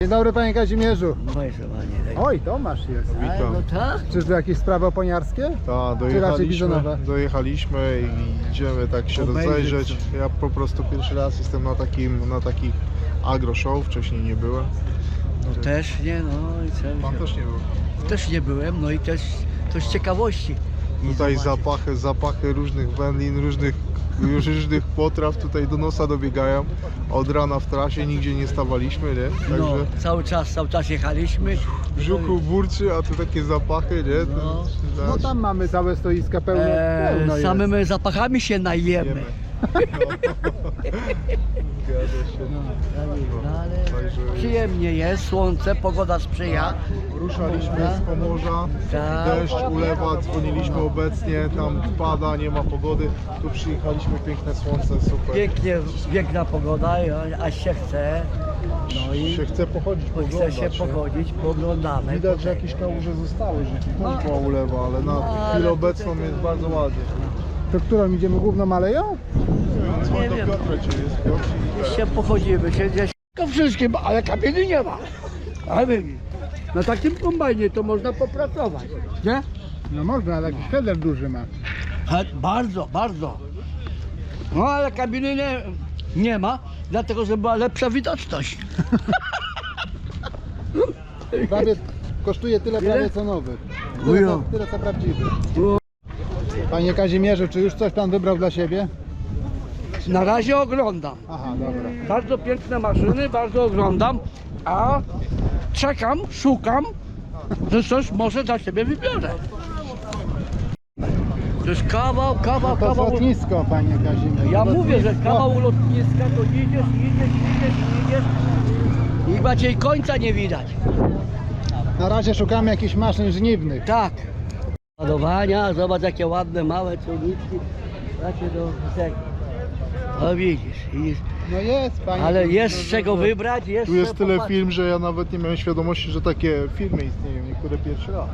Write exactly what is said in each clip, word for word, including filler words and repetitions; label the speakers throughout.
Speaker 1: Dzień dobry, panie Kazimierzu.
Speaker 2: Moje zowanie.
Speaker 1: Oj, Tomasz jest.
Speaker 2: Witam. No tak?
Speaker 1: Czyżby jakieś sprawy oponiarskie?
Speaker 3: Tak,
Speaker 1: Czy raczej
Speaker 3: dojechaliśmy,
Speaker 1: bizonowe?
Speaker 3: dojechaliśmy i idziemy tak się
Speaker 2: Obejrzeć
Speaker 3: rozejrzeć. Ja po prostu pierwszy raz jestem na takim, na takich agro show, wcześniej nie byłem.
Speaker 2: No też nie, no i co?
Speaker 3: Pan też nie był.
Speaker 2: Też nie byłem, no i też to z ciekawości. I
Speaker 3: Tutaj
Speaker 2: zobaczyć.
Speaker 3: zapachy, zapachy różnych wędlin, różnych, różnych potraw tutaj do nosa dobiegają. Od rana w trasie nigdzie nie stawaliśmy, nie?
Speaker 2: No,
Speaker 3: Także
Speaker 2: cały czas, cały czas jechaliśmy.
Speaker 3: w brzuchu burczy, a tu takie zapachy, nie? To,
Speaker 2: No.
Speaker 3: to-
Speaker 1: No tam mamy całe stoiska pełne.
Speaker 2: E,
Speaker 1: pełno jest.
Speaker 2: samymi zapachami się najemy.
Speaker 3: jemy. Zgadza się.
Speaker 2: No, tak jest, no, ale
Speaker 3: Także
Speaker 2: przyjemnie jest, słońce, pogoda sprzyja.
Speaker 3: ruszaliśmy z Pomorza,
Speaker 2: Tak.
Speaker 3: deszcz, ulewa, dzwoniliśmy obecnie, tam pada, nie ma pogody, tu przyjechaliśmy, piękne słońce, super.
Speaker 2: Pięknie, piękna pogoda, a- aż się chce. No i
Speaker 3: Się chce pochodzić,
Speaker 2: chce
Speaker 3: poglądać,
Speaker 2: się
Speaker 3: nie?
Speaker 2: pogodzić, poglądamy.
Speaker 3: Widać, że jakieś kałuże zostały, że tu
Speaker 2: No.
Speaker 3: też była ulewa, ale na
Speaker 2: No,
Speaker 3: chwilę
Speaker 2: ale
Speaker 3: obecną
Speaker 2: tutaj-
Speaker 3: jest bardzo ładnie.
Speaker 1: To którą idziemy główną aleją?
Speaker 3: Dzwoń
Speaker 2: Nie
Speaker 3: do
Speaker 2: wiem.
Speaker 3: Piotra, czy jest Piotr i ten.
Speaker 2: Się pochodzimy, się gdzieś to wszystkim, ale kamieni nie ma. Ale na takim kombajnie to można popracować, nie?
Speaker 1: No można, ale jakiś header duży ma.
Speaker 2: Ha, bardzo, bardzo. No ale kabiny nie, nie ma, dlatego że była lepsza widoczność.
Speaker 1: Prawie kosztuje tyle
Speaker 2: Ile?
Speaker 1: prawie co nowy.
Speaker 2: Ujo.
Speaker 1: Tyle, co- tyle co prawdziwy.
Speaker 2: Ujo.
Speaker 1: Panie Kazimierzu, czy już coś pan wybrał dla siebie?
Speaker 2: Na razie oglądam.
Speaker 1: Aha, dobra.
Speaker 2: Bardzo piękne maszyny, bardzo oglądam, a czekam, szukam, że coś może dla siebie wybiorę. To jest kawał, kawał,
Speaker 1: To
Speaker 2: kawał.
Speaker 1: lotnisko, panie Kazimierzu.
Speaker 2: Ja mówię, że
Speaker 1: Lotnisko.
Speaker 2: kawał lotniska to idziesz, idziesz, idziesz, idziesz i bardziej końca nie widać.
Speaker 1: Na razie szukamy jakichś maszyn żniwnych.
Speaker 2: Tak. Ładowania, zobacz jakie ładne, małe ciągniki. Takie do tego. No widzisz, widzisz.
Speaker 1: No jest, panie.
Speaker 2: Ale jest z
Speaker 1: Kazimierzu,
Speaker 2: czego
Speaker 1: że-
Speaker 2: wybrać, jest
Speaker 3: Tu jest
Speaker 2: co
Speaker 3: tyle
Speaker 2: popatrzeć.
Speaker 3: firm, że ja nawet nie miałem świadomości, że takie firmy istnieją, niektóre pierwszy raz.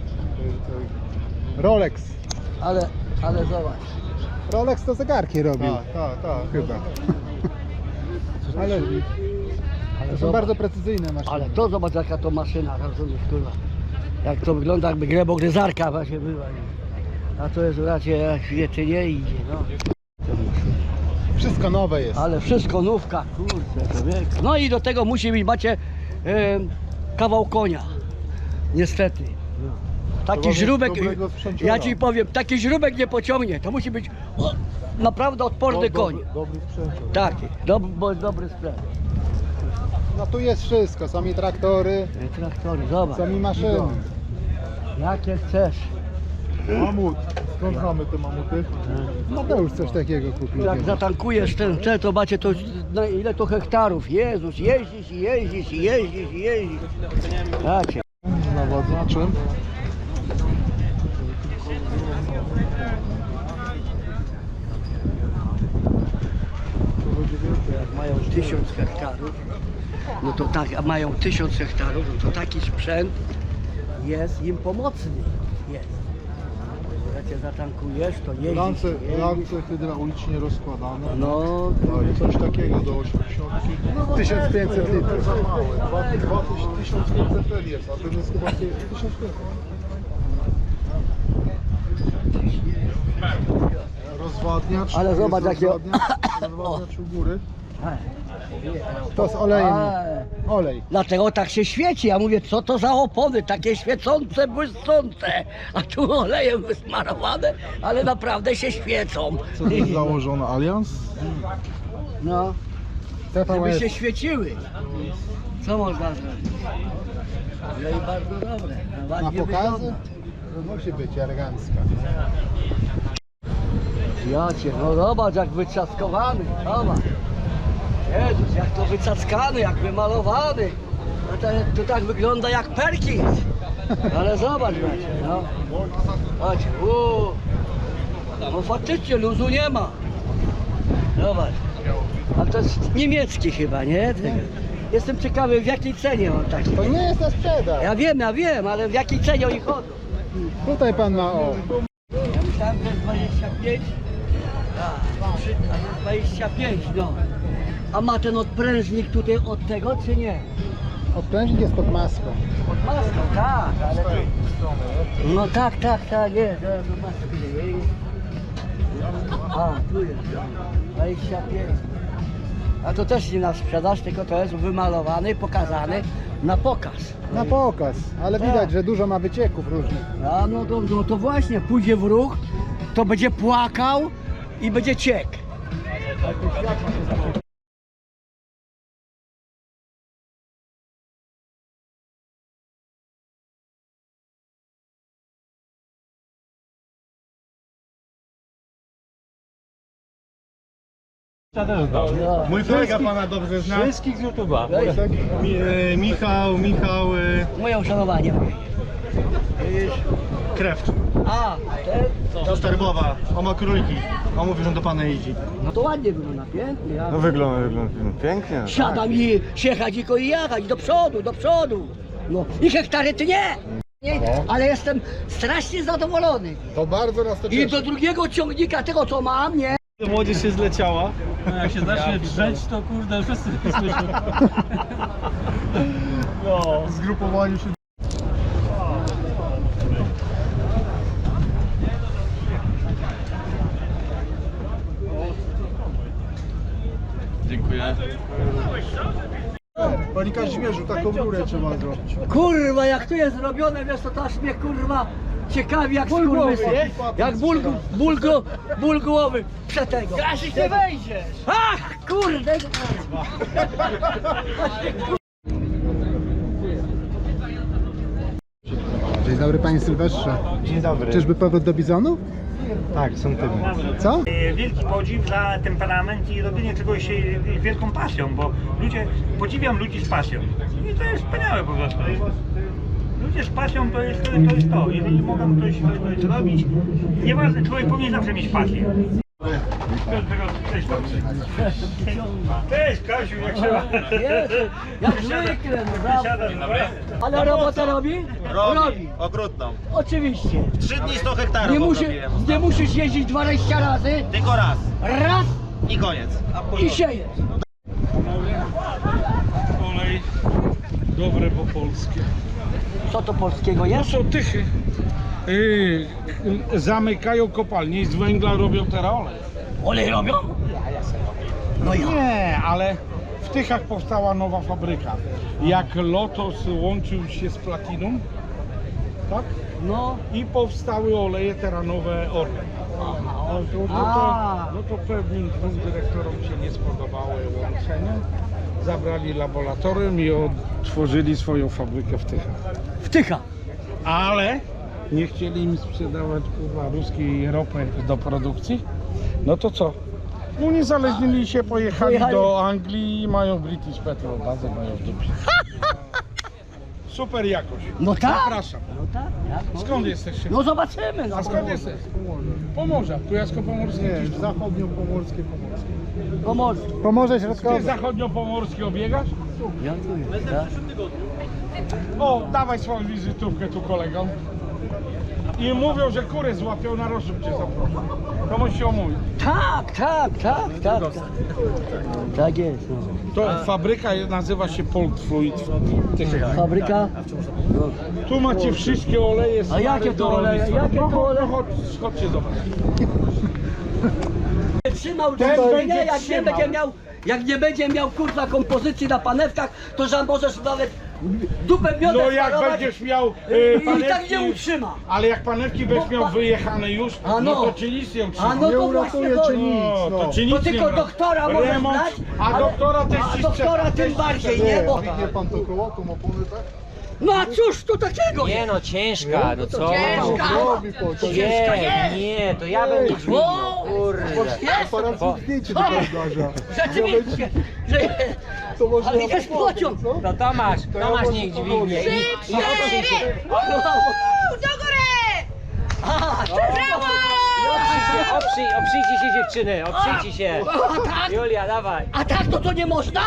Speaker 1: Rolex.
Speaker 2: Ale, ale zobacz.
Speaker 1: Rolex to zegarki robił.
Speaker 3: Tak, tak, tak.
Speaker 1: Chyba. Ale
Speaker 2: Ale,
Speaker 1: to są
Speaker 2: zobacz,
Speaker 1: bardzo precyzyjne maszyny.
Speaker 2: ale to zobacz jaka to maszyna, rozumiesz, kurwa. Jak to wygląda, jakby glebogryzarka właśnie była. nie? A to jest raczej jak wiecie, nie idzie, no.
Speaker 1: Wszystko nowe jest.
Speaker 2: Ale wszystko nówka, kurczę, człowiek. No i do tego musi być, macie, e, kawał konia. Niestety. Taki
Speaker 3: Trzeba mieć
Speaker 2: żrubek,
Speaker 3: dobrego sprzęciora.
Speaker 2: ja ci powiem, taki żrubek nie pociągnie. To musi być o, naprawdę odporny
Speaker 3: Do-
Speaker 2: koń.
Speaker 3: Dobry, dobry sprzęt.
Speaker 2: Taki, dob, bo, dobry sprzęt.
Speaker 1: No tu jest wszystko. Są i traktory,
Speaker 2: E, Traktory, zobacz.
Speaker 1: są i maszyny.
Speaker 2: Jakie chcesz.
Speaker 3: Mamut. Skąd znamy te mamuty?
Speaker 1: Mateusz coś takiego kupił.
Speaker 2: Jak
Speaker 1: kiedyś.
Speaker 2: zatankujesz ten cel, to macie to na ile to hektarów. Jezus, jeździsz i jeździsz i jeździsz i jeździsz. Jacie.
Speaker 3: Z nawadzaczem.
Speaker 2: Jak mają tysiąc hektarów, no to tak, a mają tysiąc hektarów, no to taki sprzęt jest im pomocny. Jest. Jak cię zatankujesz, to jeździsz.
Speaker 3: Lance,
Speaker 2: jeździsz.
Speaker 3: lance hydraulicznie rozkładane.
Speaker 2: No,
Speaker 3: No i coś takiego do osiemdziesiątki.
Speaker 1: tysiąc pięćset litrów.
Speaker 3: Za małe. Dwa- dwa tyś- tysiąc pięćset L jest, a ten jest chyba tysiąc pięćset. Rozwadniacz.
Speaker 2: Ale
Speaker 3: jest
Speaker 2: zobacz, jakie-
Speaker 3: rozwadniacz, rozwadniacz u góry.
Speaker 1: To z olejem.
Speaker 2: Ale-
Speaker 1: Olej.
Speaker 2: dlatego tak się świeci. Ja mówię, co to za opony, takie świecące, błyszczące, a tu olejem wysmarowane, ale naprawdę się świecą.
Speaker 3: Co to jest założone? Allianz?
Speaker 2: No,
Speaker 1: T V
Speaker 2: żeby
Speaker 1: S.
Speaker 2: się świeciły. Co można zrobić? No i bardzo dobre. No,
Speaker 1: Na
Speaker 2: ładnie
Speaker 1: pokazy?
Speaker 2: wygląda.
Speaker 1: To musi być elegancka.
Speaker 2: Jacie, no zobacz jak wyczaskowany, zobacz. Jezus, jak to wycackany, jak wymalowany. No to, to tak wygląda jak Perkins. Ale zobacz, bracie, no. Chodź, uuu. No faktycznie luzu nie ma. Zobacz. A to jest niemiecki chyba, nie? Tego. Jestem ciekawy w jakiej cenie on taki.
Speaker 1: To nie jest na sprzedaż.
Speaker 2: Ja wiem, ja wiem, ale w jakiej cenie oni chodzą.
Speaker 1: Tutaj pan ma o.
Speaker 2: Ja myślałem, że jest dwadzieścia pięć. Tak, trzy- a to jest dwadzieścia pięć, no. A ma ten odprężnik tutaj od tego, czy nie?
Speaker 1: Odprężnik jest pod maską.
Speaker 2: Pod maską, tak, ale to... No tak, tak, tak, jest, no maskę jest. A, tu jest, dwadzieścia pięć. A to też nie na sprzedaż, tylko to jest wymalowany, pokazany na pokaz.
Speaker 1: Na pokaz, ale
Speaker 2: Tak.
Speaker 1: widać, że dużo ma wycieków różnych.
Speaker 2: A no to, no to właśnie, pójdzie w ruch, to będzie płakał i będzie ciek. No.
Speaker 4: Mój kolega pana dobrze zna.
Speaker 5: Wszystkich z YouTube'a.
Speaker 4: Mi, e, Michał, Michał e,
Speaker 2: Moje uszanowanie. Widzisz?
Speaker 4: Krewcz.
Speaker 2: A, ten?
Speaker 4: Do Starbowa. On ma króliki. On mówi, że on do pana jeździ.
Speaker 2: No to ładnie wygląda, pięknie. Ja
Speaker 5: No wygląda, wygląda pięknie.
Speaker 2: siadam i siechać i i jechać do przodu, do przodu. No i hektary ty nie. nie. Ale jestem strasznie zadowolony.
Speaker 1: To bardzo nas to
Speaker 2: I
Speaker 1: cieszy.
Speaker 2: do drugiego ciągnika tego co mam, nie?
Speaker 4: Młodzież się zleciała.
Speaker 5: No jak się zacznie drzeć, to kurde wszyscy słyszą.
Speaker 4: No. Zgrupowani się.
Speaker 5: Dziękuję.
Speaker 3: Panie Kazimierzu, taką rurę trzeba zrobić.
Speaker 2: Kurwa, jak to jest zrobione, wiesz, to aż mnie kurwa ciekawi jak skurwysy. Jak ból, ból, ból, ból głowy przetego. Krasik, nie wejdziesz! Ach, kurde!
Speaker 1: Dzień dobry panie Sylwestrze.
Speaker 4: Dzień dobry.
Speaker 1: Czyżby powrót do bizonów?
Speaker 4: Tak, są tymi.
Speaker 1: Co?
Speaker 6: Wielki podziw za temperament i robienie czegoś e, wielką pasją, bo ludzie, podziwiam ludzi z pasją. I to jest wspaniałe po prostu. Ludzie z pasją to jest to, to, jest to. Jeżeli mogą coś, coś zrobić, nieważne, człowiek powinien zawsze mieć pasję. Cześć, Cześć Kasiu, jak trzeba?
Speaker 2: Jezu, jak zwykle, no prawda. Ale robotę robi? Robi.
Speaker 7: Okrutną.
Speaker 2: Oczywiście.
Speaker 7: Trzy dni sto hektarów
Speaker 2: Nie, musi,
Speaker 7: obrobiłem.
Speaker 2: nie musisz jeździć dwadzieścia razy,
Speaker 7: Tylko raz.
Speaker 2: raz
Speaker 7: I koniec.
Speaker 2: i siejesz.
Speaker 5: Olej dobre po polskie.
Speaker 2: Co to polskiego
Speaker 8: No
Speaker 2: jest?
Speaker 8: są tychy. Yy, zamykają kopalnie i z węgla robią teraz olej.
Speaker 2: Olej robią? No ja.
Speaker 8: Nie, ale w Tychach powstała nowa fabryka. Jak Lotos łączył się z Platinum, tak?
Speaker 2: No.
Speaker 8: I powstały oleje teranowe Orlen. No, to, no, to,
Speaker 2: A.
Speaker 8: no to pewnym dwóm dyrektorom się nie spodobało łączenie. Zabrali laboratorium i otworzyli swoją fabrykę w Tychach.
Speaker 2: Wtycha.
Speaker 8: Ale nie chcieli im sprzedawać kurwa ruskiej ropy do produkcji. No to co? Uniezależnili się, pojechali
Speaker 2: Pojechali.
Speaker 8: do Anglii i mają British Petrol, bazę mają w dupie. Super jakość.
Speaker 2: No tak.
Speaker 8: Zapraszam.
Speaker 2: No tak. Jak
Speaker 8: Skąd
Speaker 2: może?
Speaker 8: jesteście?
Speaker 2: No zobaczymy. No.
Speaker 8: A skąd jesteś? Pomorza. Kujawsko-Pomorskie.
Speaker 3: Nie, zachodnio-pomorskie, pomorskie.
Speaker 2: Pomorze.
Speaker 1: Pomorze
Speaker 8: Ty
Speaker 1: Środkowe.
Speaker 8: zachodnio-pomorskie obiegasz?
Speaker 2: Ja tu jest, tak?
Speaker 8: O, dawaj swoją wizytówkę tu kolegom. I mówią, że kury złapią, na rozrzut cię zaproszą. To musisz się omówić.
Speaker 2: Tak, tak, tak, tak. Tak, tak jest. No.
Speaker 8: To fabryka nazywa się Poltfluid w Tychach.
Speaker 2: Fabryka. No.
Speaker 8: Tu macie wszystkie oleje.
Speaker 2: A jakie to oleje? Jakie to oleje?
Speaker 8: No, chodź, chodźcie zobaczyć.
Speaker 2: Trzymał
Speaker 8: Ten
Speaker 2: drzwi,
Speaker 8: będzie
Speaker 2: nie, jak nie
Speaker 8: trzymał.
Speaker 2: będzie miał, jak nie będzie miał kurwa kompozycji na panewkach, to że możesz nawet dupę miodę
Speaker 8: No jak
Speaker 2: sparować
Speaker 8: będziesz miał
Speaker 2: i,
Speaker 8: e,
Speaker 2: i tak
Speaker 8: panewki,
Speaker 2: nie utrzyma.
Speaker 8: ale jak panewki będziesz miał wyjechane już,
Speaker 2: A
Speaker 8: no
Speaker 2: no.
Speaker 8: to ci nic nie
Speaker 2: A
Speaker 8: utrzyma.
Speaker 2: no
Speaker 3: Nie
Speaker 2: to właśnie
Speaker 3: uratuje
Speaker 2: to,
Speaker 3: cię nic.
Speaker 8: No,
Speaker 3: no.
Speaker 8: to ci nic
Speaker 2: to tylko
Speaker 8: nie
Speaker 2: doktora możesz
Speaker 8: Remont,
Speaker 2: znać,
Speaker 8: a
Speaker 2: ale-
Speaker 8: doktora też
Speaker 2: a
Speaker 8: ci
Speaker 2: doktora
Speaker 8: sprzeda,
Speaker 2: tym
Speaker 8: też ci
Speaker 2: bardziej,
Speaker 8: sprzeda.
Speaker 2: nie? Bo,
Speaker 3: Widnie pan to koło, tą oponę, tak?
Speaker 2: no a cóż tu takiego
Speaker 9: Nie
Speaker 2: jest?
Speaker 9: no, ciężka, no co?
Speaker 2: Ciężka.
Speaker 3: Robi po to.
Speaker 2: Ciężka
Speaker 9: Nie,
Speaker 2: jest.
Speaker 9: nie, to ja bym nie dźwignął, kurde.
Speaker 2: Jest,
Speaker 3: Aparat zdjęcie do zdarza.
Speaker 2: rzeczywiście, że
Speaker 3: To może
Speaker 2: ale
Speaker 3: ja
Speaker 2: jest
Speaker 3: pomogę,
Speaker 2: pociąg.
Speaker 3: co?
Speaker 9: To Tomasz,
Speaker 3: To ja
Speaker 9: Tomasz
Speaker 3: może
Speaker 9: niech
Speaker 3: pomogę.
Speaker 9: dźwignie. I, i oprzyj się,
Speaker 10: Do góry!
Speaker 2: A, to
Speaker 9: oprzyj się, oprzyj, oprzyjcie się dziewczyny, oprzyjcie się.
Speaker 2: a tak?
Speaker 9: Julia, dawaj.
Speaker 2: A tak to to nie można?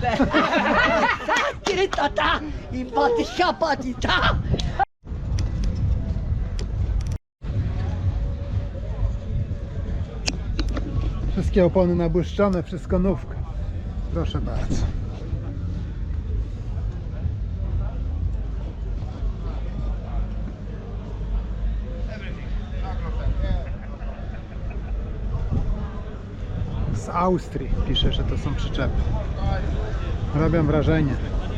Speaker 2: Ty, tata i patysia, patita.
Speaker 1: Wszystkie opony nabłyszczone, wszystko nówka. Proszę bardzo. Austrii pisze, że to są przyczepy. Robią wrażenie.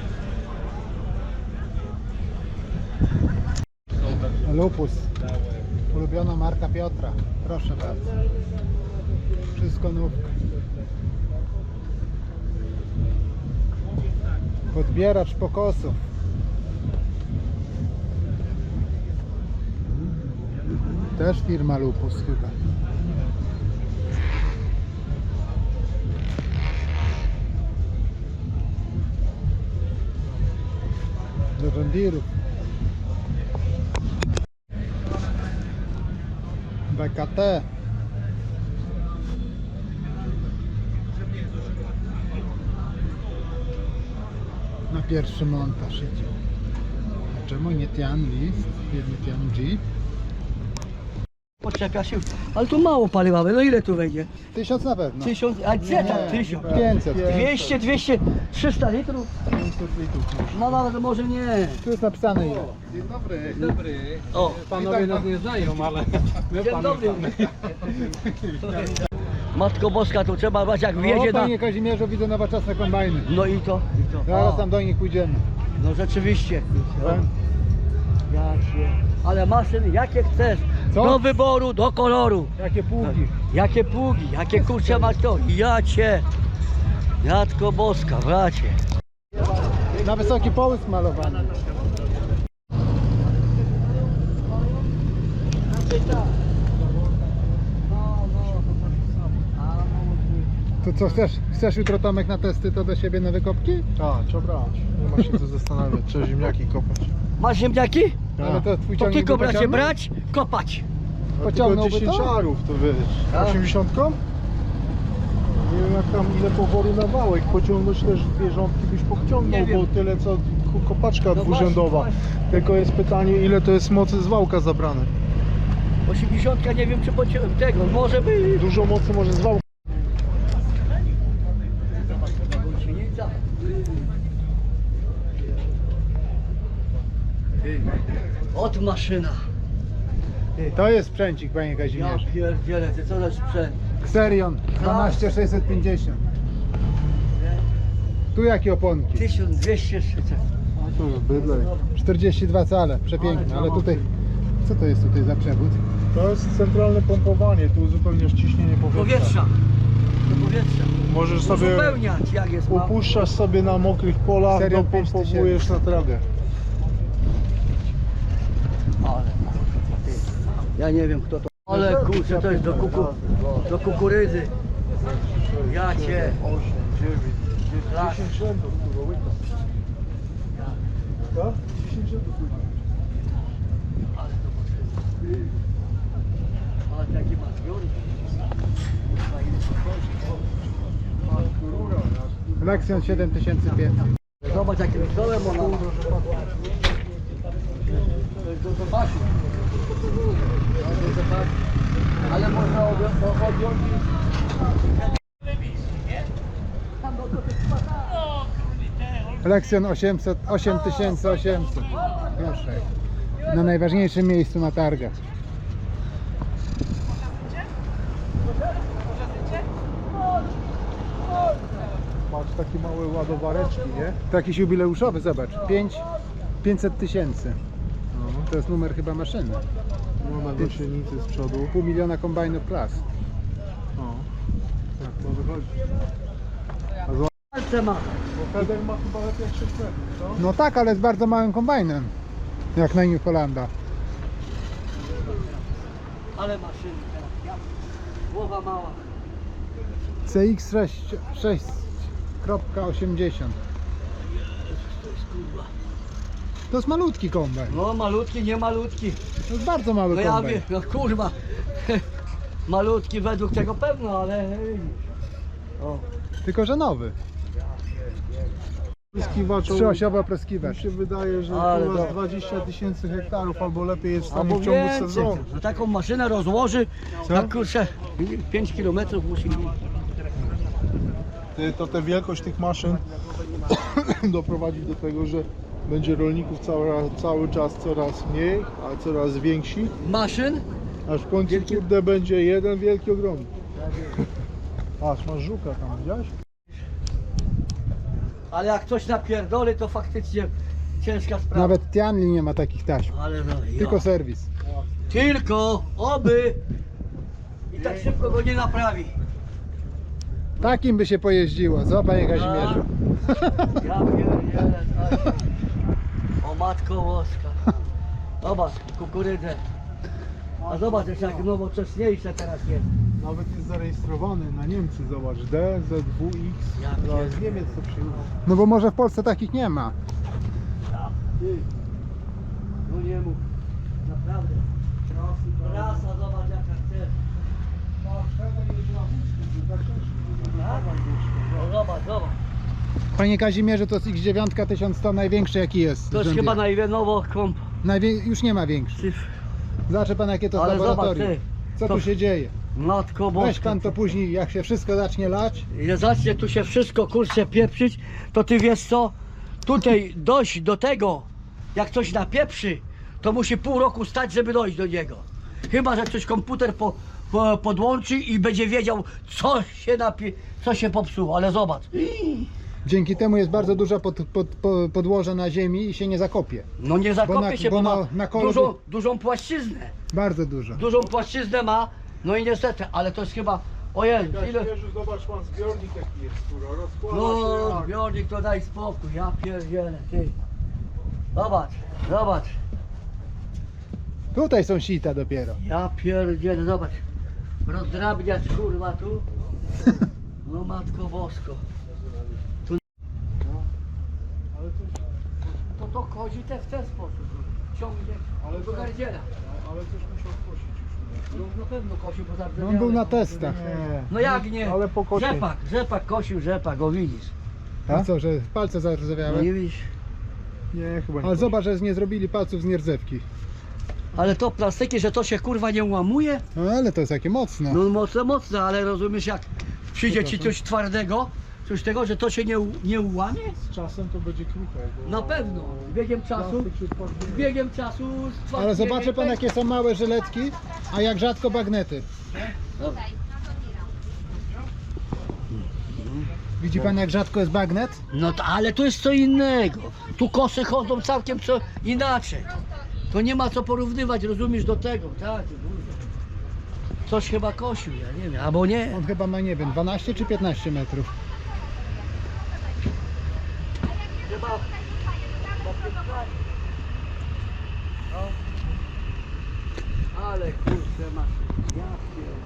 Speaker 1: Lupus. Ulubiona marka Piotra. Proszę bardzo. Wszystko nówka. Podbieracz pokosów. Też firma Lupus chyba. Do John Deere'ów. B K T. Na pierwszy montaż idzie. A czemu nie Tian List? Jedny Tian G?
Speaker 2: Poczepia się, ale tu mało paliwa, no ile tu wejdzie?
Speaker 1: Tysiąc na pewno.
Speaker 2: Tysiąc, a gdzie tam tysiąc?
Speaker 1: pięćset.
Speaker 2: Dwieście, dwieście, trzysta litrów? No nawet może nie.
Speaker 1: Tu jest napisane ile.
Speaker 2: O,
Speaker 4: Panowie nas nie znają, ale my
Speaker 2: dzień dobry. Matko Boska, tu trzeba brać jak
Speaker 1: O,
Speaker 2: wjedzie na...
Speaker 1: panie Kazimierzu, widzę nowoczesne kombajny.
Speaker 2: No i to, i to.
Speaker 1: Zaraz
Speaker 2: O,
Speaker 1: tam do nich pójdziemy.
Speaker 2: no rzeczywiście. Ja się... Ale maszyn jakie chcesz,
Speaker 1: Co?
Speaker 2: do wyboru, do koloru.
Speaker 1: Jakie pługi.
Speaker 2: Jakie pługi, jakie kurcze masz to. Ja cię, Matko Boska, bracie.
Speaker 1: Na wysoki połysk malowany. To co, chcesz, chcesz jutro Tomek na testy to do siebie na wykopki?
Speaker 3: Tak, trzeba brać. Nie ma się co zastanawiać, trzeba ziemniaki kopać.
Speaker 2: Masz ziemniaki?
Speaker 1: Ale to twój
Speaker 2: To
Speaker 1: ciągnik
Speaker 2: tylko
Speaker 1: by
Speaker 2: bracie
Speaker 1: pociągnął?
Speaker 2: brać, kopać.
Speaker 3: No
Speaker 1: Pociągnąłby
Speaker 3: tylko
Speaker 1: to?
Speaker 3: dziesięć arów, to wiesz.
Speaker 2: A.
Speaker 3: osiemdziesiątką? Nie wiem jak tam ile poworu na wałek, pociągnąć też dwie rządki byś pociągnął,
Speaker 2: Nie wiem.
Speaker 3: bo tyle co ku- kopaczka
Speaker 2: No
Speaker 3: dwurzędowa.
Speaker 2: właśnie,
Speaker 3: Tylko jest pytanie ile to jest mocy z wałka zabrane.
Speaker 2: osiemdziesiątka nie wiem czy pociąłem tego, może by...
Speaker 3: Dużo mocy może z wałka.
Speaker 2: Gąsienica. Od maszyna.
Speaker 1: To jest sprzęcik, panie
Speaker 2: Ja
Speaker 1: Kazimierzu.
Speaker 2: pierdzielę, ty co za sprzęt.
Speaker 1: Xerion dwanaście sześćset pięćdziesiąt. Tu jakie oponki?
Speaker 2: tysiąc dwieście trzydzieści.
Speaker 3: To jest bydlej.
Speaker 1: czterdzieści dwa cale, przepiękne, ale tutaj... Co to jest tutaj za przewód?
Speaker 3: To jest centralne pompowanie, tu uzupełniasz ciśnienie powietrza.
Speaker 2: Powietrza. Do powietrza.
Speaker 3: Możesz sobie
Speaker 2: Uzupełniać jak jest mało.
Speaker 3: upuszczasz sobie na mokrych polach,
Speaker 1: Serial
Speaker 3: dopompowujesz na trawę.
Speaker 2: Ale kurwa, ty. Ja nie wiem kto to. Ale kurczę, to jest do, kuku, do kukurydzy. Ja cię.
Speaker 3: osiem, dziewięć, dziesięć rzędów, kurwa, łyka. Tak? dziesięć rzędów łyka.
Speaker 2: Ale to potrzebne. Ale taki ma zbiornik. Kurwa, ile to chodzi.
Speaker 1: Lexion siedem tysięcy pięćset.
Speaker 2: Zobacz jakim dołem ona ma. To jest do zobaczenia. Do zobaczenia. Ale można objąć. objąć.
Speaker 1: Lexion osiemset, osiem tysięcy osiemset. Proszę. Na najważniejszym miejscu na targach.
Speaker 3: Masz takie małe ładowareczki, nie?
Speaker 1: To jakiś jubileuszowy, zobacz. pięć, pięćset tysięcy. To jest numer chyba maszyny.
Speaker 3: No na gąsienicy z przodu.
Speaker 1: Pół miliona kombajnów klas.
Speaker 3: O. Tak, to wychodzi.
Speaker 2: Palce ma.
Speaker 3: Bo Feder ma chyba lepiej jak sześć metrów, co?
Speaker 1: No tak, ale z bardzo małym kombajnem. Jak na New Hollanda.
Speaker 2: Ale maszyny teraz. Głowa mała.
Speaker 1: C X sześć osiemdziesiąt.
Speaker 2: To jest kurwa.
Speaker 1: To jest malutki kombajn.
Speaker 2: No malutki, nie malutki.
Speaker 1: To jest bardzo mały
Speaker 2: No ja
Speaker 1: kombajn.
Speaker 2: wiem, no kurwa. Malutki według tego pewno, ale... O.
Speaker 1: Tylko że nowy.
Speaker 3: Pryskiwacz,
Speaker 1: Trzyosiowy
Speaker 3: mi
Speaker 1: opryskiwacz.
Speaker 3: się wydaje, że
Speaker 2: Ale
Speaker 3: chyba z
Speaker 2: to-
Speaker 3: dwadzieścia tysięcy hektarów albo lepiej jest w stanie
Speaker 2: Albo
Speaker 3: w ciągu
Speaker 2: więcej.
Speaker 3: sezonu.
Speaker 2: Że taką maszynę rozłoży,
Speaker 3: Co?
Speaker 2: na kurczę, pięć kilometrów musi mieć.
Speaker 3: Ty, to tę wielkość tych maszyn doprowadzi do tego, że będzie rolników cały, cały czas coraz mniej, a coraz więksi,
Speaker 2: Maszyn?
Speaker 3: aż w końcu
Speaker 2: Wielki-
Speaker 3: kurde będzie jeden wielki ogromny. Patrz, masz żuka tam, widziałeś?
Speaker 2: Ale jak coś napierdoli, to faktycznie ciężka sprawa.
Speaker 1: Nawet Tianli nie ma takich taśm.
Speaker 2: Ale no, ja.
Speaker 1: Tylko serwis.
Speaker 2: Tylko, oby i tak szybko go nie naprawi.
Speaker 1: Takim by się pojeździło, co panie Kazimierzu?
Speaker 2: Ja pierdzielę, tak. O matko boska. Zobacz, kukurydzę. A zobacz jeszcze jak nowocześniejsze teraz jest.
Speaker 3: Nawet jest zarejestrowany na Niemcy, zobacz, D Z W X.
Speaker 2: Ja
Speaker 3: No,
Speaker 2: pierdolę.
Speaker 3: z Niemiec to przyjechał.
Speaker 1: No bo może w Polsce takich nie ma.
Speaker 2: Ty. No nie mów. Naprawdę. Rasa, zobacz jaka chce. No zobacz, zobacz.
Speaker 1: Panie Kazimierzu, to jest X dziewięć tysiąc sto największy jaki jest.
Speaker 2: To jest
Speaker 1: John
Speaker 2: chyba
Speaker 1: Deere.
Speaker 2: najwięnowo komp.
Speaker 1: Najwię... Już nie ma większych.
Speaker 2: Cyfr.
Speaker 1: Zobaczy pan jakie to jest
Speaker 2: Ale zobacz
Speaker 1: laboratorium.
Speaker 2: ty.
Speaker 1: Co
Speaker 2: to-
Speaker 1: tu się dzieje?
Speaker 2: Matko boska.
Speaker 1: Weź pan to później, jak się wszystko zacznie lać.
Speaker 2: Jak zacznie tu się wszystko kurczę pieprzyć, to ty wiesz co? Tutaj dojść do tego, jak coś napieprzy, to musi pół roku stać, żeby dojść do niego. Chyba że ktoś komputer po, po, podłączy i będzie wiedział, co się napie, co się popsuło, ale zobacz.
Speaker 1: Dzięki temu jest bardzo duża pod, pod, po- podłoże na ziemi i się nie zakopie.
Speaker 2: No nie zakopie
Speaker 1: na-
Speaker 2: się,
Speaker 1: bo
Speaker 2: bo,
Speaker 1: na-
Speaker 2: ma
Speaker 1: na kole-
Speaker 2: dużą, dużą płaszczyznę.
Speaker 1: Bardzo dużo.
Speaker 2: Dużą płaszczyznę ma, no i niestety, ale to jest chyba, ojej, ile...
Speaker 3: Kazimierzu, zobacz pan zbiornik jaki jest, kurwa, rozkłada
Speaker 2: No,
Speaker 3: się jak...
Speaker 2: zbiornik to daj spokój, ja pierdzielę, ty. Zobacz, zobacz,
Speaker 1: Tutaj są sita dopiero.
Speaker 2: ja pierdzielę, zobacz. Rozdrabniać kurwa tu. No matko bosko. Tu...
Speaker 3: Ale to,
Speaker 2: To to chodzi te w ten sposób. Ciągnie
Speaker 3: Ale
Speaker 2: do
Speaker 3: to-
Speaker 2: gardziela.
Speaker 3: ale coś musiał skosić już.
Speaker 2: No na pewno kosił, bo
Speaker 1: No, on był na testach.
Speaker 3: Nie.
Speaker 2: No jak nie?
Speaker 3: Ale po kocie.
Speaker 2: Rzepak, rzepak kosił, rzepak, o widzisz.
Speaker 1: A co, że palce
Speaker 2: No
Speaker 1: zarzewiały?
Speaker 2: nie widzisz.
Speaker 3: Nie, chyba nie.
Speaker 1: Ale zobacz, że nie zrobili palców z nierdzewki.
Speaker 2: Ale to plastyki, że to się kurwa nie łamuje?
Speaker 1: No ale to jest takie mocne.
Speaker 2: No mocno, mocno, ale rozumiesz jak przyjdzie ci coś twardego, coś tego, że to się nie, u- nie ułamie?
Speaker 3: Z czasem to będzie kruche. Bo
Speaker 2: Na pewno, z biegiem czasu,
Speaker 3: plastik się tworzy.
Speaker 2: z biegiem czasu stwarz-
Speaker 1: Ale zobaczy pan jakie są małe żyletki, a jak rzadko bagnety. Widzi pan jak rzadko jest bagnet?
Speaker 2: No to, ale to jest co innego. Tu kosy chodzą całkiem co inaczej. To nie ma co porównywać, rozumiesz, do tego, tak? Coś chyba kosił, ja nie wiem, albo nie.
Speaker 1: On chyba ma, nie wiem, dwanaście czy piętnaście metrów.
Speaker 2: Chyba... No. Ale kurczę masz, ja pierdzielę.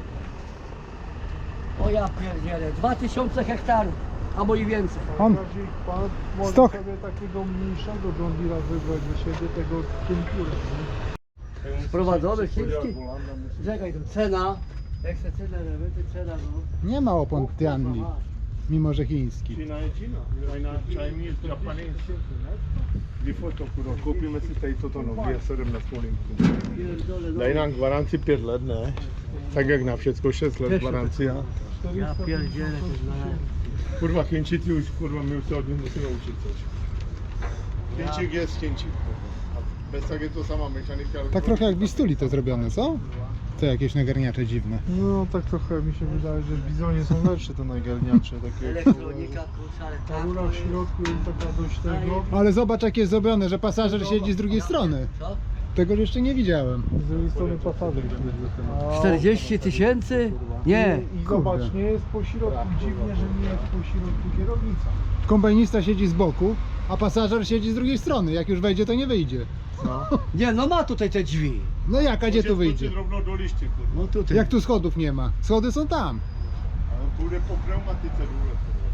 Speaker 2: O ja pierdzielę, dwa tysiące hektarów, albo i więcej.
Speaker 1: On,
Speaker 3: Bardziej pan może
Speaker 1: Sto-
Speaker 3: sobie takiego mniejszego John Deere'a wybrać do siebie, tego Kempura.
Speaker 2: Sprowadzony chiński. Czekaj, to cena, jak se cenę remonty, cena no.
Speaker 1: nie ma opon Tianli, mimo że chiński.
Speaker 3: China je China, China, Chinese, Japanese. Before to kurwa, kupimy si tady toto nový a sedmnáct molinków.
Speaker 2: Pierdolę, no.
Speaker 3: Dají nám gwaranci pět let, ne? Tak jak na wszystko šest let gwaranci. A...
Speaker 2: Ja pierdzielę to znalazłem.
Speaker 3: Kurwa, Chińczycy już, kurwa, my już się od nich musimy uczyć coś. Chińczyk jest Chińczyk. A bez takiego to sama mechanika. ale
Speaker 1: Tak
Speaker 3: to-
Speaker 1: trochę jak bistuli to zrobione, co? To jakieś nagarniacze dziwne.
Speaker 3: No tak trochę mi się wydaje, że w Bizonie są lepsze te najgarniacze. Takie
Speaker 2: Elektronika, kurczę, ale tak.
Speaker 3: rura w środku jest taka dość tego.
Speaker 1: Ale zobacz jak jest zrobione, że pasażer siedzi z drugiej strony.
Speaker 2: Co?
Speaker 1: Tego jeszcze nie widziałem.
Speaker 3: Z drugiej strony pasażer siedzi.
Speaker 2: czterdzieści tysięcy? Nie.
Speaker 3: I, i zobacz, nie jest po środku, dziwnie, że nie jest po środku kierownica.
Speaker 1: Kombajnista siedzi z boku, a pasażer siedzi z drugiej strony. Jak już wejdzie, to nie wyjdzie.
Speaker 2: Nie, no ma tutaj te drzwi.
Speaker 1: No jak, a gdzie tu wyjdzie?
Speaker 3: Równo do liście, kurwa.
Speaker 2: No tutaj.
Speaker 1: Jak tu schodów nie ma? Schody są tam.
Speaker 3: Ale pójdę po pneumatyce rurę.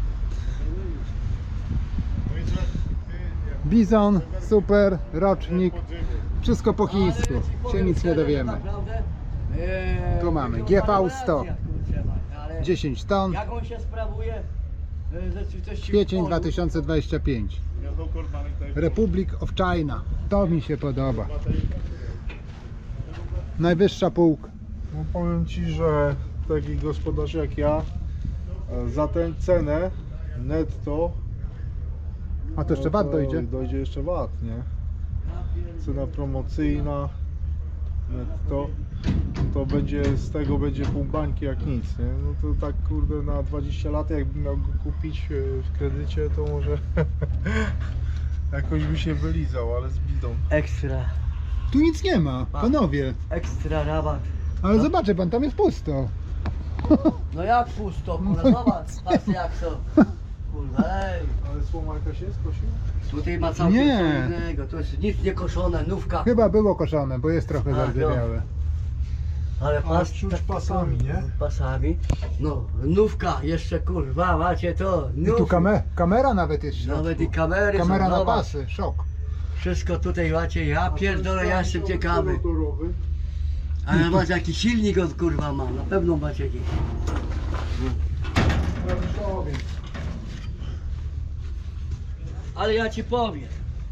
Speaker 3: No i że ty,
Speaker 1: Bizon, super, rocznik,
Speaker 3: jak podziemie.
Speaker 1: wszystko po chińsku. Się nic nie dowiemy.
Speaker 2: Eee,
Speaker 1: Tu mamy G V sto. dziesięć ton,
Speaker 2: Jak on się sprawuje? e, w rzeczywistości w
Speaker 1: kwiecień
Speaker 2: polu?
Speaker 1: dwa tysiące dwudziesty piąty.
Speaker 3: Ja to korbanek tutaj.
Speaker 1: Republic of China. To mi się podoba. Najwyższa półka.
Speaker 3: No powiem ci, że taki gospodarz jak ja e, za tę cenę netto.
Speaker 1: A to jeszcze VAT dojdzie?
Speaker 3: Dojdzie jeszcze VAT, nie? Cena promocyjna netto. to będzie z tego będzie pół bańki jak nic, nie? No to tak kurde na dwadzieścia lat jakbym miał go kupić e, w kredycie, to może jakoś by się wylizał, ale z bidą.
Speaker 2: Ekstra,
Speaker 1: Tu nic nie ma, panowie.
Speaker 2: ekstra rabat.
Speaker 1: Ale zobaczcie pan, tam jest pusto.
Speaker 2: No jak pusto, kurwa, zobacz, patrz jak to. Kurwa, ej.
Speaker 3: Ale słoma jakaś jest, kosił?
Speaker 2: Tutaj ma całkiem
Speaker 1: Nie.
Speaker 2: co innego, to jest nic nie koszone, nówka.
Speaker 1: Chyba było koszone, bo jest trochę
Speaker 2: A,
Speaker 1: zardzewiałe.
Speaker 2: Ale
Speaker 3: Ale
Speaker 2: pas,
Speaker 3: czuć
Speaker 2: tak-
Speaker 3: pasami, nie?
Speaker 2: pasami. No, nówka, jeszcze kurwa, macie to.
Speaker 1: I tu
Speaker 2: nówki.
Speaker 1: kame kamera nawet jest w środku.
Speaker 2: Nawet i kamery
Speaker 1: Kamera
Speaker 2: są,
Speaker 1: na
Speaker 2: zobacz.
Speaker 1: pasy, szok.
Speaker 2: Wszystko tutaj macie, ja pierdolę, ja jestem ciekawy.
Speaker 3: Motorowy.
Speaker 2: Ale macie jaki silnik on kurwa ma, na pewno macie jakiś.
Speaker 3: Klawiszowy.
Speaker 2: Ale ja ci powiem.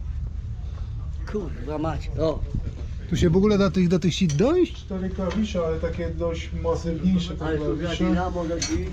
Speaker 2: Kurwa macie, o.
Speaker 1: Tu się w ogóle do tych, do tych sit dojść?
Speaker 3: Cztery klawisze, ale takie dość masywniejsze te
Speaker 2: Ale tu
Speaker 3: klawisze.
Speaker 2: jaki ramo leci.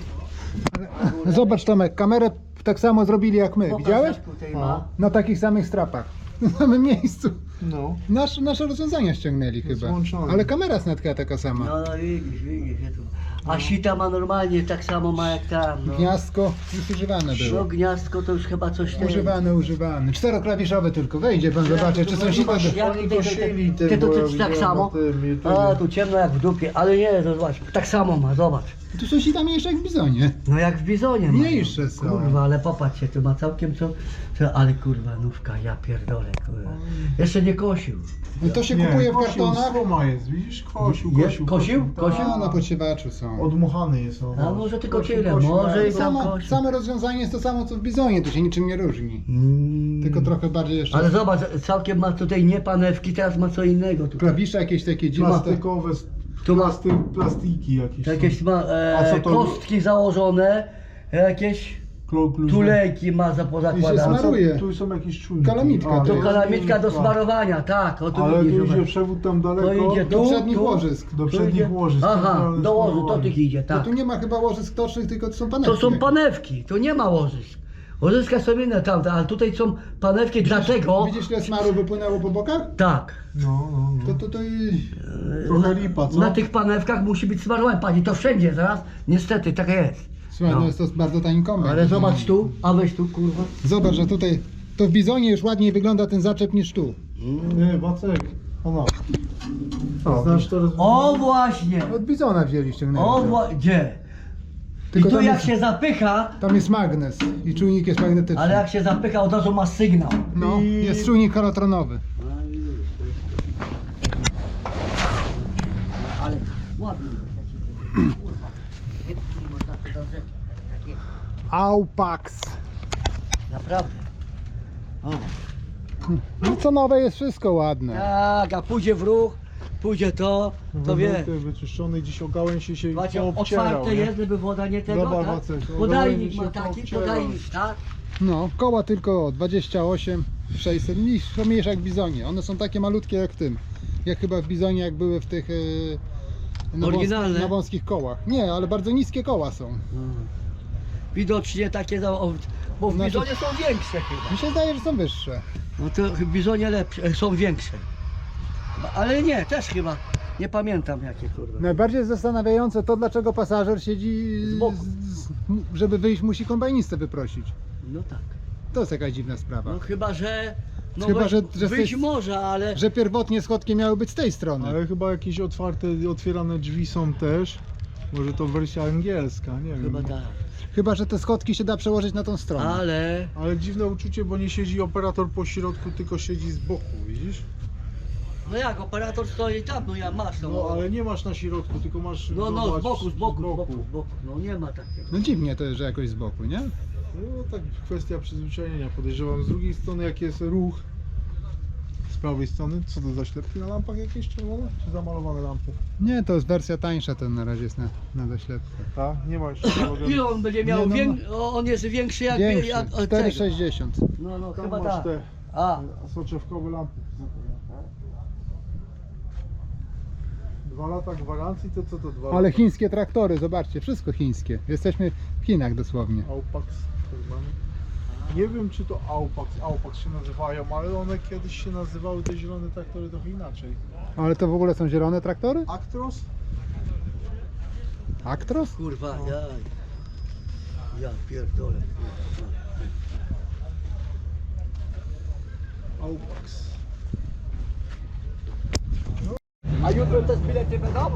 Speaker 1: Zobacz Tomek, kamerę tak samo zrobili jak my,
Speaker 2: Pokaż,
Speaker 1: widziałeś?
Speaker 2: jak tutaj ma.
Speaker 1: Na takich samych strapach. W samym miejscu.
Speaker 3: No.
Speaker 1: Nasz, nasze rozwiązania ściągnęli chyba.
Speaker 3: Złączone.
Speaker 1: Ale kamera snatka taka sama.
Speaker 2: No, no widzisz, widzisz, ja tu. A sita ma normalnie tak samo ma jak tam, no.
Speaker 1: Gniazdko już używane
Speaker 2: No
Speaker 1: było.
Speaker 2: gniazdko to już chyba coś tam.
Speaker 1: Używane, używane. Czteroklawiszowe tylko. Wejdzie pan, zobaczy, czy są sita.
Speaker 2: Zobacz, jak
Speaker 3: Oni
Speaker 2: tutaj,
Speaker 3: kosili
Speaker 2: ty, ty,
Speaker 3: tym,
Speaker 2: ty,
Speaker 3: bo
Speaker 2: ty,
Speaker 3: ja
Speaker 2: ty tak
Speaker 3: widziałem
Speaker 2: samo?
Speaker 3: na tym YouTubie.
Speaker 2: A, tu ciemno jak w dupie, ale nie, to zobacz, tak samo ma, zobacz.
Speaker 1: Tu są sita mniejsze jak w bizonie.
Speaker 2: No jak w bizonie ma.
Speaker 1: Mniejsze są.
Speaker 2: Kurwa, ale popatrzcie, tu ma całkiem co, co ale kurwa, nówka, ja pierdolę, kurwa. Jeszcze nie kosił.
Speaker 1: No to się
Speaker 3: Nie,
Speaker 1: kupuje w
Speaker 3: kosił,
Speaker 1: kartonach.
Speaker 3: Słoma jest, widzisz? Kosił,
Speaker 2: Je-
Speaker 3: kosił.
Speaker 2: kosił?
Speaker 3: tak.
Speaker 2: Kosił?
Speaker 1: A, na podsiewaczu są.
Speaker 3: Odmuchany jest on.
Speaker 2: A może tylko
Speaker 3: Kosił,
Speaker 2: tyle,
Speaker 3: kosił,
Speaker 2: może
Speaker 3: ale
Speaker 2: i
Speaker 3: to-
Speaker 2: tam
Speaker 1: Samo,
Speaker 2: kosił.
Speaker 1: same rozwiązanie jest to samo co w bizonie, tu się niczym nie różni.
Speaker 2: Mm.
Speaker 1: Tylko trochę bardziej jeszcze.
Speaker 2: Ale zobacz, całkiem ma tutaj nie panewki, teraz ma co innego tutaj.
Speaker 1: Klawisze jakieś takie dziwne.
Speaker 3: Plastikowe,
Speaker 2: Tu ma-
Speaker 3: plasty, plastiki jakieś.
Speaker 2: To jakieś ma
Speaker 3: A co
Speaker 2: e,
Speaker 3: to-
Speaker 2: kostki założone, jakieś
Speaker 3: Klo- klucze.
Speaker 2: tulejki ma za
Speaker 1: I się
Speaker 2: pozakładane.
Speaker 1: smaru- smaruje.
Speaker 3: Tu są jakieś czujniki.
Speaker 1: Kalamitka
Speaker 3: A,
Speaker 1: to
Speaker 2: To
Speaker 1: jest
Speaker 2: kalamitka do
Speaker 3: kalamitka.
Speaker 2: smarowania, tak, o tu
Speaker 3: Ale tu
Speaker 2: widzisz,
Speaker 3: idzie
Speaker 2: zobacz.
Speaker 3: przewód tam daleko.
Speaker 2: To idzie
Speaker 1: Do
Speaker 2: tu,
Speaker 1: przednich
Speaker 2: tu,
Speaker 1: łożysk.
Speaker 3: Do
Speaker 2: tu
Speaker 3: przednich
Speaker 2: idzie-
Speaker 3: łożysk,
Speaker 2: Aha,
Speaker 3: centralne
Speaker 2: do łożysk, to
Speaker 3: sterowanie.
Speaker 2: tych idzie,
Speaker 1: Bo
Speaker 2: tak.
Speaker 1: tu nie ma chyba łożysk tocznych, tylko to są panewki.
Speaker 2: To są
Speaker 1: jakieś.
Speaker 2: panewki, tu nie ma łożysk. Łożyska są inne tamte, ale tutaj są panewki, dlatego...
Speaker 1: Widzisz, ile smaru wypłynęło po bokach?
Speaker 2: Tak.
Speaker 3: No, no, no.
Speaker 1: To, to, to i...
Speaker 3: Trochę lipa, co?
Speaker 2: Na tych panewkach musi być smarowane, pani, to wszędzie zaraz, niestety, tak jest.
Speaker 1: Słuchaj, no.
Speaker 2: No.
Speaker 1: jest to bardzo tani kombajn.
Speaker 2: Ale zobacz tu, a weź tu, kurwa.
Speaker 1: Zobacz, że tutaj, to w bizonie już ładniej wygląda ten zaczep niż tu.
Speaker 3: Nie, Wacek. Ono. Znasz to roz...
Speaker 2: O właśnie,
Speaker 1: Od bizona wzięli ściągnęli.
Speaker 2: o
Speaker 1: to.
Speaker 2: właśnie, gdzie? I
Speaker 1: Tylko
Speaker 2: tu
Speaker 1: tam
Speaker 2: jak
Speaker 1: jest,
Speaker 2: się zapycha,
Speaker 1: tam jest magnes i czujnik jest magnetyczny.
Speaker 2: ale jak się zapycha, od razu ma sygnał.
Speaker 1: No,
Speaker 3: I-
Speaker 1: jest czujnik holotronowy.
Speaker 2: Ale ładnie. Można to do rzeczy, takie,
Speaker 1: Aupax.
Speaker 2: naprawdę. O.
Speaker 1: No co nowe jest wszystko ładne.
Speaker 2: Tak, a pójdzie w ruch, pójdzie to, to wie.
Speaker 3: Wymyty, wyczyszczony, gdzieś o gałęzie się
Speaker 2: Macie
Speaker 3: poobcierał,
Speaker 2: otwarte
Speaker 3: nie?
Speaker 2: jest, żeby woda nie tego,
Speaker 3: Zobacz,
Speaker 2: tak?
Speaker 3: Wacek, o
Speaker 2: Podajnik
Speaker 3: gołębi
Speaker 2: ma
Speaker 3: się
Speaker 2: taki,
Speaker 3: poobcierał.
Speaker 2: podajnik, tak?
Speaker 1: No, koła tylko dwadzieścia osiem sześćset, mniejsze, są mniejsze jak w bizonie. One są takie malutkie jak w tym. Jak chyba w bizonie, jak były w tych e, na,
Speaker 2: Oryginalne?
Speaker 1: wąs- na wąskich kołach. Nie, ale bardzo niskie koła są.
Speaker 2: Widocznie takie, za- o, bo w
Speaker 1: Znaczy-
Speaker 2: bizonie są większe chyba.
Speaker 1: Mi się zdaje, że są wyższe.
Speaker 2: No to w bizonie lepsze, e, są większe. Chyba, ale nie, też chyba, nie pamiętam jakie kurwa.
Speaker 1: Najbardziej zastanawiające to, dlaczego pasażer siedzi,
Speaker 2: Z boku.
Speaker 1: z- żeby wyjść, musi kombajnistę wyprosić.
Speaker 2: No tak.
Speaker 1: To jest jakaś dziwna sprawa.
Speaker 2: No chyba, że... No
Speaker 1: Chyba,
Speaker 2: wyjść,
Speaker 1: że- że
Speaker 2: wyjść
Speaker 1: jesteś-
Speaker 2: może, ale...
Speaker 1: Że pierwotnie schodki miały być z tej strony.
Speaker 3: Ale chyba jakieś otwarte, otwierane drzwi są też. Może to wersja angielska, nie
Speaker 2: Chyba
Speaker 3: wiem.
Speaker 2: tak.
Speaker 1: Chyba, że te schodki się da przełożyć na tą stronę.
Speaker 2: Ale...
Speaker 3: Ale dziwne uczucie, bo nie siedzi operator po środku, tylko siedzi z boku, widzisz?
Speaker 2: No jak, operator stoi tam, no ja masz no.
Speaker 3: No ale nie masz na środku, tylko masz.
Speaker 2: No, no,
Speaker 3: zobacz,
Speaker 2: z boku, z boku, z boku, z boku. No nie ma takiego.
Speaker 1: No dziwnie to jest, że jakoś z boku, nie?
Speaker 3: No tak kwestia przyzwyczajenia podejrzewam. Z drugiej strony jak jest ruch z prawej strony, co to za ślepki na lampach jakieś czerwone? Czy zamalowane lampy?
Speaker 1: Nie, to jest wersja tańsza, to na razie jest na, na zaślepce.
Speaker 3: Tak? Nie ma jeszcze.
Speaker 2: Ile on będzie miał?
Speaker 1: Nie, no,
Speaker 2: Wię... o, on jest większy jak...
Speaker 1: Większy,
Speaker 2: jak od
Speaker 1: cztery
Speaker 2: tego.
Speaker 1: sześćdziesiąt.
Speaker 2: No, no,
Speaker 3: Tam
Speaker 2: chyba
Speaker 3: masz
Speaker 2: tak.
Speaker 3: te
Speaker 2: A,
Speaker 3: soczewkowe lampy. Dwa lata gwarancji, to co to dwa
Speaker 1: Ale
Speaker 3: lata?
Speaker 1: chińskie traktory, zobaczcie, wszystko chińskie. Jesteśmy w Chinach dosłownie.
Speaker 3: Aupax tak zwany. Nie wiem czy to Aupax, Aupax się nazywają, ale one kiedyś się nazywały te zielone traktory trochę inaczej.
Speaker 1: Ale to w ogóle są zielone traktory?
Speaker 3: Actros?
Speaker 1: Actros?
Speaker 2: Kurwa, ja... Ja pierdolę.
Speaker 3: Aupax.
Speaker 2: A jutro te bilety będą?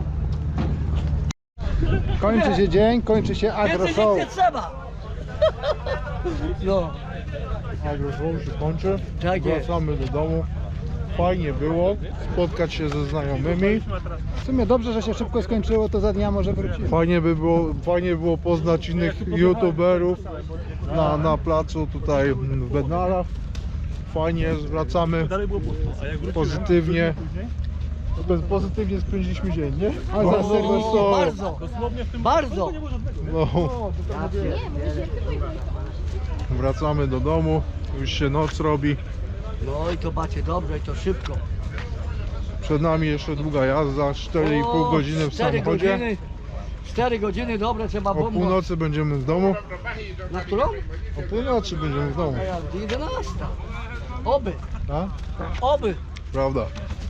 Speaker 1: Kończy się dzień, kończy się agro
Speaker 2: Więcej
Speaker 1: show.
Speaker 2: nie trzeba! No,
Speaker 3: Agroshow się kończy.
Speaker 2: Tak jest.
Speaker 3: Wracamy do domu. Fajnie było spotkać się ze znajomymi.
Speaker 1: W sumie dobrze, że się szybko skończyło, to za dnia może wrócimy.
Speaker 3: Fajnie by było, fajnie było poznać innych youtuberów na, na placu tutaj w Bednarach. Fajnie, wracamy pozytywnie. Bez- Pozytywnie spędziliśmy dzień, nie?
Speaker 1: A za tego
Speaker 2: o, bardzo, bardzo.
Speaker 3: No, wracamy do domu, już się noc robi.
Speaker 2: No i to macie dobrze i to szybko.
Speaker 3: Przed nami jeszcze długa jazda, cztery i pół
Speaker 2: O,
Speaker 3: godziny w
Speaker 2: cztery
Speaker 3: samochodzie.
Speaker 2: godziny, cztery godziny, dobre, trzeba
Speaker 3: O
Speaker 2: bombą.
Speaker 3: północy będziemy w domu.
Speaker 2: Na którą?
Speaker 3: O północy będziemy w domu.
Speaker 2: jedenasta. Oby,
Speaker 3: A?
Speaker 2: oby.
Speaker 3: Prawda.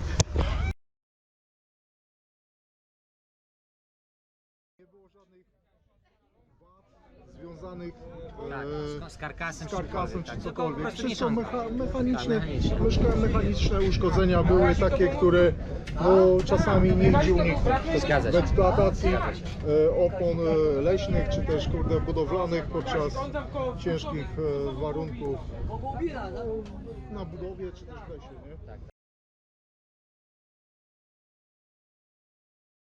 Speaker 3: Nie było żadnych wad związanych e,
Speaker 9: Z karkasem,
Speaker 3: z karkasem czy
Speaker 9: tak, tylko po
Speaker 3: cokolwiek.
Speaker 9: prostu
Speaker 3: Wszystko
Speaker 9: mieszanka.
Speaker 3: mecha mechaniczne,
Speaker 9: Tak, mechaniczne.
Speaker 3: myszka mechaniczne uszkodzenia były takie, które no, czasami nie idzie uniknąć.
Speaker 9: Zgadza
Speaker 3: W
Speaker 9: się.
Speaker 3: eksploatacji
Speaker 9: Zgadza się.
Speaker 3: e, opon e, leśnych czy też kurde budowlanych podczas ciężkich e, warunków
Speaker 2: Bo bobina, no.
Speaker 3: na budowie czy też w lesie, nie?